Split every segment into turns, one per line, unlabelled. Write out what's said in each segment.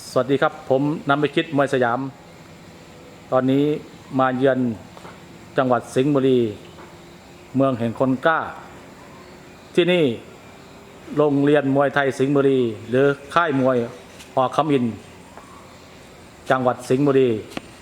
สวัสดีครับผมนำไปคิดมวยสยาม ตอนนี้มาเยือนจังหวัดสิงห์บุรีเมืองแห่งคนกล้าที่นี่โรงเรียนมวยไทยสิงห์บุรีหรือค่ายมวยอคำอินทร์จังหวัดสิงห์บุรี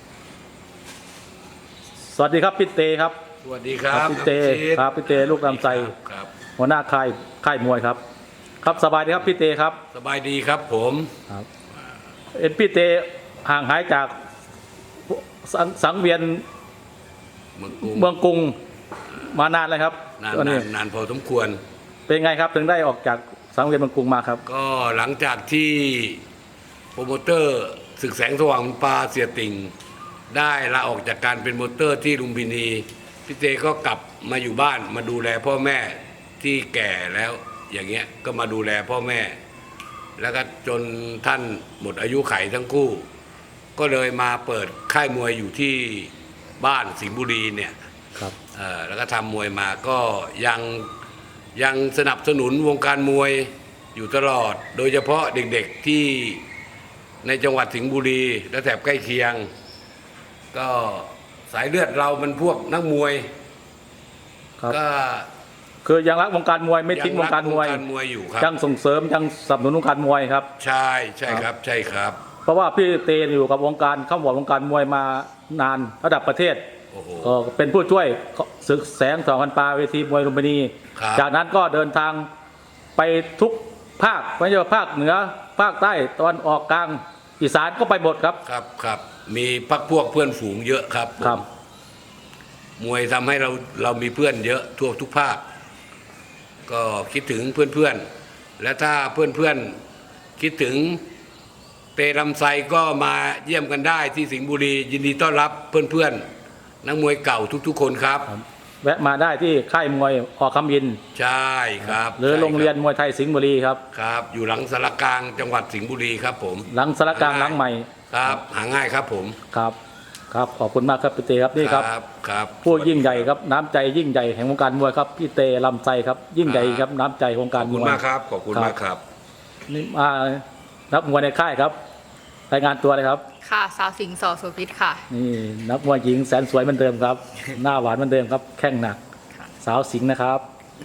สวัสดีครับพี่เตครับ
สวัสดีครับ
พี่เตครับพี่เตลูกลำไส้หัวหน้าค่ายมวยครับครับสบายดีครับพี่เตครับ
สบายดีครับผม
ครับพี่เตห่างหายจากสังเวียนเมืองกรุงมานานเลยครับ
นานพอสมควร
เป็นไงครับถึงได้ออกจากสังเวียนเมืองกรุงมาครับ
ก็หลังจากที่โปรโมเตอร์ศึกแสงสว่างปลาเสียติ่งได้ลาออกจากการเป็นโปรโมเตอร์ที่ลุมพินีพี่เตก็กลับมาอยู่บ้านมาดูแลพ่อแม่ที่แก่แล้วอย่างเงี้ยก็มาดูแลพ่อแม่แล้วก็จนท่านหมดอายุไขทั้งคู่ก็เลยมาเปิดค่ายมวยอยู่ที่บ้านสิงห์บุรีเนี่ย
ครับ
แล้วก็ทำมวยมาก็ยังสนับสนุนวงการมวยอยู่ตลอดโดยเฉพาะเด็กๆที่ในจังหวัดสิงห์บุรีและแถบใกล้เคียงก็สายเลือดเรามันพวกนักมวยก็
คือยังรักวงการมวยไม่ทิ้งวงการมวย
อยู่ครับ
ยังส่งเสริมยังสนับสนุนวงการมวยครับ
ใช่ครับใช่ครับ
เพราะว่าพี่เตอยู่กับวงการเข้าหัววงการมวยมานานระดับประเทศก็เป็นผู้ช่วยศึกแสงสองพันปาเวทีมวยลุมพินีจากนั้นก็เดินทางไปทุกภาคไม่ใช่ว่าภาคเหนือภาคใต้ตะวันออกกลางอีสานก็ไปหมดครับ
ครับมีพรรคพวกเพื่อนฝูงเยอะครับมวยทำให้เรามีเพื่อนเยอะทั่วทุกภาคก็คิดถึงเพื่อนๆและถ้าเพื่อนๆคิดถึงเตลำไส้ก็มาเยี่ยมกันได้ที่สิงห์บุรียินดีต้อนรับเพื่อนๆนักมวยเก่าทุกๆคนครับ
แวะมาได้ที่ค่ายมวยอคำอินทร์
ใช่ครับ
หรือโรงเรียนมวยไทยสิงห์บุรีครับ
อยู่หลังสารกลางจังหวัดสิงห์บุรีครับผม
หลังสารกลางหลังใหม่
ครับหาง่ายครับผม
ครับขอบคุณมากครับพี่เตครับนี่ครับผู้ยิ่งใหญ่ครับน้ำใจยิ่งใหญ่แห่งวงการมวยครับพี่เตลำไส้ครับยิ่งใหญ่ครับน้ำใจวงการมวย
ขอบคุณมากครับขอบคุณมากครับ
นี่มานักมวยในค่ายครับรายงานตัวเลยครับ
ค่ะสาวสิงห์สอโสภิตค่ะ
นี่นักมวยหญิงแสนสวยเหมือนเดิมครับหน้าหวานเหมือนเดิมครับแข้งหนักสาวสิงห์นะครับ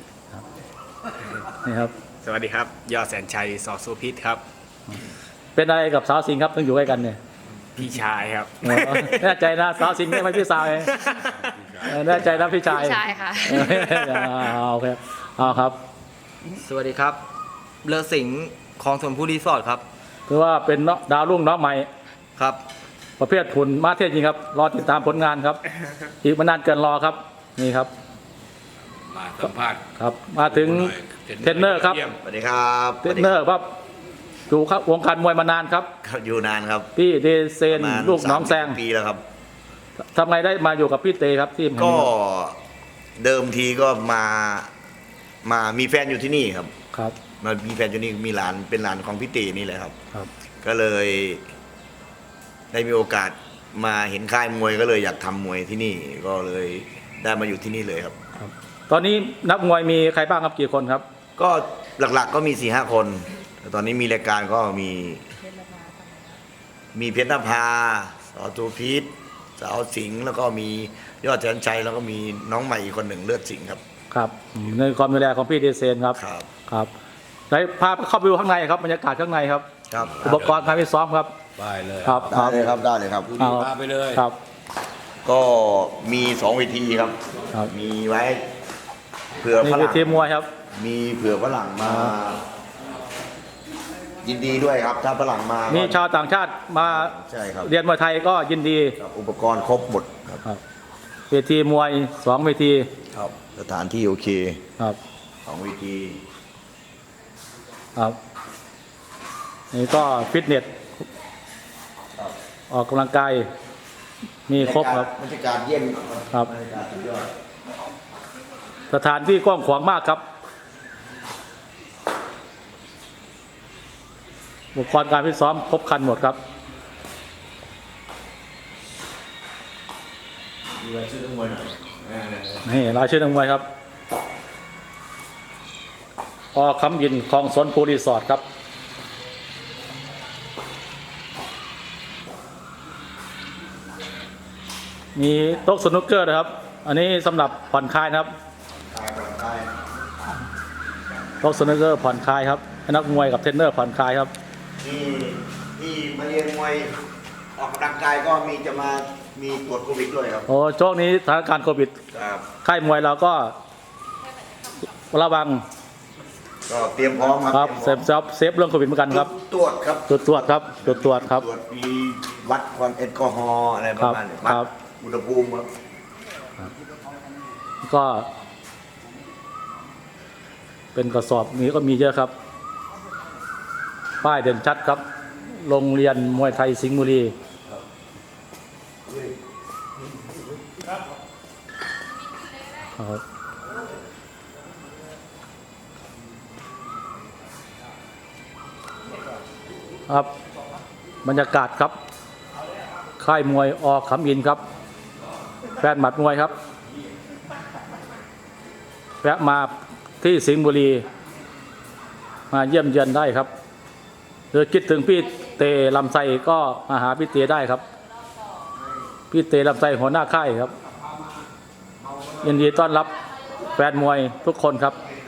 นี่ครับ
สวัสดีครับยอดแสนชัยสอโสภิตครับ
เป็นอะไรกับสาวสิงห์ครับต้องอยู่ใกล้กันเนี่ย
พี่ชายครับ
แน่ใจนะสาวสิงห์ไม่ใช่พี่สาวเองแน่ใจนะพี่ชาย
ค่ะ
โอเคเอาครับ
สวัสดีครับเลอสิงห์คลองถมผู้รีสอร์ทครับ
คือว่าเป็นดาวรุ่งน้องใหม่
ครับ
ประเภทหุ่นมาเทศจริงครับรอติดตามผลงานครับอีกไม่นานเกินรอครับนี่ครับ
มาสัมภาษณ์
ครับมาถึงเทรนเนอร์ครับ
สวัสดีครับ
เทรนเนอร์ครับอยู่ครับวงการมวยมานานครับ
อยู่นานครับ
พี่เดเซนลูกน้องแซง
ปีแล้วครับ
ทำไงได้มาอยู่กับพี่เตครับที่
ก็เดิมทีก็มามีแฟนอยู่ที่นี่ครับมามีแฟนอยู่นี่มีหลานเป็นหลานของพี่เตนี่แหละครับก็เลยได้มีโอกาสมาเห็นค่ายมวยก็เลยอยากทำมวยที่นี่ก็เลยได้มาอยู่ที่นี่เลยครับ
ตอนนี้นักมวยมีใครบ้างครับกี่คนครับ
ก็หลักๆก็มี 4-5 คนตอนนี้มีรายการก็มีเพชรนภาสอตูพิษสาวสิงห์แล้วก็มียอดแสนชัยแล้วก็มีน้องใหม่อีกคนหนึ่งเลือดสิงห์ครับ
ในความดูแลของพี่เดเซนครับได้พาเข้าไปดูข้างในครับบรรยากาศข้างในครับอุปกรณ์การฟิตซ้อมครับ
ได้เลย
ได้เลยครับ
พาไปเลย
ครับก็มี2 เวทีครับมีไว้เผื่อฝรั่ง
ทีมมวยครับ
มีเผื่อฝรั่งมายินดีด้วยครับถ้าฝรั่งมา
มีชาวต่างชาติมาเรียนมวยไทยก็ยินดี
อุปกรณ์ครบหมด
ครับเวทีมวย2 เวที
ครับสถานที่โอเค
ครับ
2 เวที
ครับนี่ก็ฟิตเนสออกกำลังกายมีครบครับ
บรรยากาศเย็น
ครับสถานที่กว้างขวางมากครับอุปกรณ์การฟิตซ้อมครบครันหมดครับนี่รายชื่อนักมวยครับอคำยินคลองสนภูรีสอร์ทครับมีโต๊ะสนุกเกอร์นะครับ อันนี้สำหรับผ่อนคลายนะครับโต๊ะสนุกเกอร์ผ่อนคลายครับให้นักมวยกับเทรนเนอร์ผ่อนคลายครับ
ที่มาเรียนมวยออกกำลังกายก็มีตรวจโควิดด้วยครับ
โอ้ช่วงนี้สถานการณ์โควิด
ครับ
ค่ายมวยเราก็ระวัง
ก็เตรียมพร้อม
ครับ
เตรียมพร้อม
เซฟเรื่องโควิดเหมือนกันครับ
ตรวจครับ
ตรวจครับตรวจครับ
ตรวจมีวัดความแอลกอฮอล์อะไรประมาณนี้
ครับ
วัดอุณหภูมิครับ
ก็ เป็นกระสอบนี้ก็มีเยอะครับ ป้ายเด่นชัดครับ โรงเรียนมวยไทยสิงห์บุรีครับครับบรรยากาศครับ ค่ายมวยอขำอินครับแฟนหมัดมวยครับแวะมาที่สิงห์บุรีมาเยี่ยมเยือนได้ครับหรือคิดถึงพี่เตลำไส้ก็มาหาพี่เตได้ครับพี่เตลำไส้หัวหน้าค่ายครับยินดีต้อนรับแฟนมวยทุกคนครับ